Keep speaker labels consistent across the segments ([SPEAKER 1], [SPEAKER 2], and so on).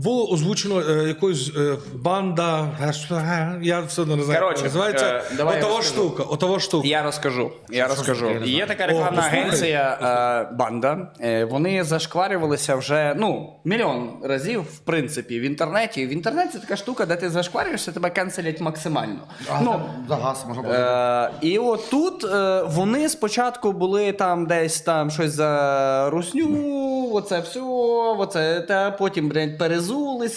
[SPEAKER 1] Було озвучено якоюсь банда, я все одно не знаю, як називається. Отова штука.
[SPEAKER 2] Я розкажу. Є така рекламна агенція «Банда». Вони зашкварювалися вже, мільйон разів, в принципі, в інтернеті. В інтернеті така штука, де ти зашкварюєшся, тебе канцелять максимально.
[SPEAKER 3] За газ можна було.
[SPEAKER 2] І от тут вони спочатку були там десь там щось за русню, оце все, оце те, потім, перезулися.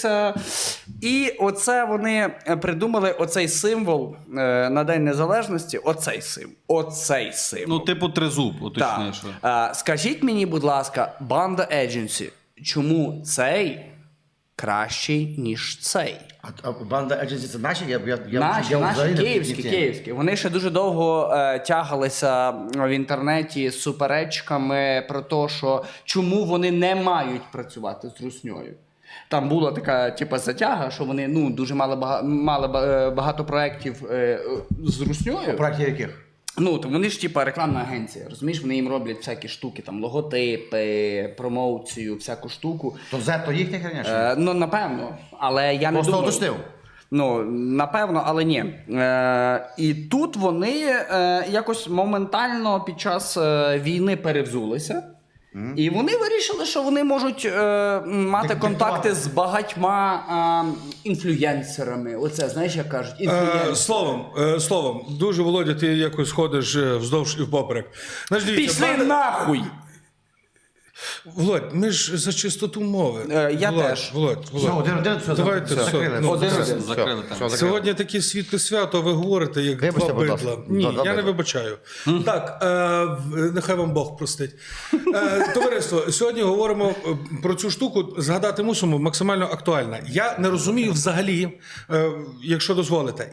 [SPEAKER 2] І оце вони придумали оцей символ на День Незалежності. Оцей символ.
[SPEAKER 4] Ну, типу тризуб, уточнюєш.
[SPEAKER 2] Скажіть мені, будь ласка, Банда Едженсі, чому цей кращий, ніж цей?
[SPEAKER 3] А Банда Едженсі це наші?
[SPEAKER 2] Наші, київські. Вони ще дуже довго тягалися в інтернеті з суперечками про те, що чому вони не мають працювати з русньою. Там була така затяга, що вони дуже мали багато проєктів з русньою.
[SPEAKER 3] Проєктів яких?
[SPEAKER 2] То вони ж рекламна агенція, розумієш, вони їм роблять всякі штуки, там логотипи, промоцію, всяку штуку.
[SPEAKER 3] То Z то їхня херня?
[SPEAKER 2] Напевно, але я не
[SPEAKER 3] просто
[SPEAKER 2] думаю.
[SPEAKER 3] уточнив.
[SPEAKER 2] Напевно, але ні. І тут вони якось моментально під час війни перевзулися. І вони вирішили, що вони можуть мати контакти з багатьма інфлюєнсерами. Оце, знаєш, як кажуть, інфлюєнсери.
[SPEAKER 1] Словом, дуже, Володя, ти якось ходиш вздовж і впоперек.
[SPEAKER 2] Пішли нахуй!
[SPEAKER 1] Володь, ми ж за чистоту мови.
[SPEAKER 2] Я теж.
[SPEAKER 1] Володь.
[SPEAKER 3] Один, все,
[SPEAKER 1] Давайте,
[SPEAKER 3] закрили.
[SPEAKER 4] Закрили там.
[SPEAKER 1] Сьогодні таке світле свято, ви говорите, як
[SPEAKER 3] Вибачте,
[SPEAKER 1] два
[SPEAKER 3] будь ласка.
[SPEAKER 1] бидла. Ні,
[SPEAKER 3] Два
[SPEAKER 1] я не
[SPEAKER 3] бидла.
[SPEAKER 1] вибачаю. Так, нехай вам Бог простить. Товариство, сьогодні говоримо про цю штуку, згадати мусимо, максимально актуальна. Я не розумію взагалі, якщо дозволите,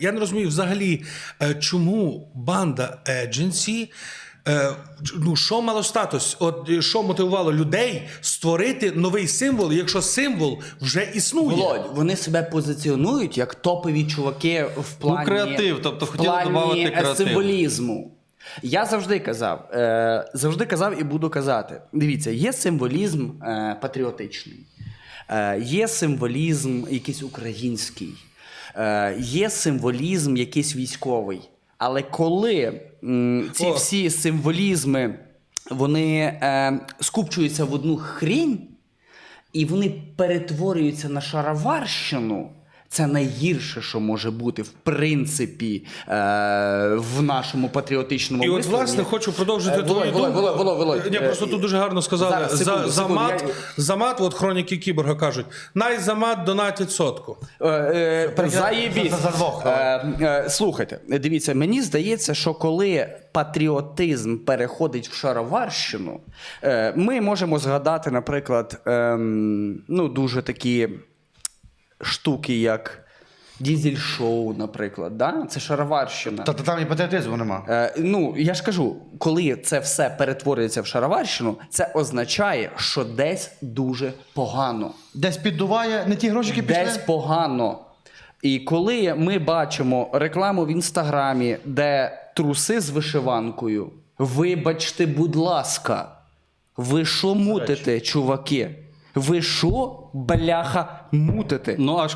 [SPEAKER 1] чому Банда Едженсі, що мало статус? Що мотивувало людей створити новий символ, якщо символ вже існує?
[SPEAKER 2] Володь, вони себе позиціонують як топові чуваки в плані,
[SPEAKER 4] креатив, тобто хотіли додати креатив.
[SPEAKER 2] символізму. Я завжди казав і буду казати. Дивіться, є символізм патріотичний, є символізм якийсь український, є символізм якийсь військовий. Але коли ці всі символізми, вони скупчуються в одну хрінь, і вони перетворюються на шароварщину, це найгірше, що може бути, в принципі, в нашому патріотичному
[SPEAKER 1] І
[SPEAKER 2] висловленні.
[SPEAKER 1] власне, хочу продовжити твою думку.
[SPEAKER 2] Володь.
[SPEAKER 1] Ні, просто тут дуже гарно сказали. За мат, хроніки Кіборга кажуть, найзамат донатять сотку.
[SPEAKER 2] Заєбісь.
[SPEAKER 3] За двох.
[SPEAKER 2] Слухайте, дивіться, мені здається, що коли патріотизм переходить в шароварщину, ми можемо згадати, наприклад, дуже такі штуки, як дізель-шоу, наприклад, да? Це шароварщина.
[SPEAKER 3] Та там і патріотизму нема.
[SPEAKER 2] Я ж кажу, коли це все перетворюється в шароварщину, це означає, що десь дуже погано.
[SPEAKER 3] Десь піддуває, не ті гроші, які пішли.
[SPEAKER 2] Десь погано. І коли ми бачимо рекламу в Інстаграмі, де труси з вишиванкою, вибачте, будь ласка, ви що мутите, чуваки? Ви що, бляха, мутите?
[SPEAKER 4] Ну, аж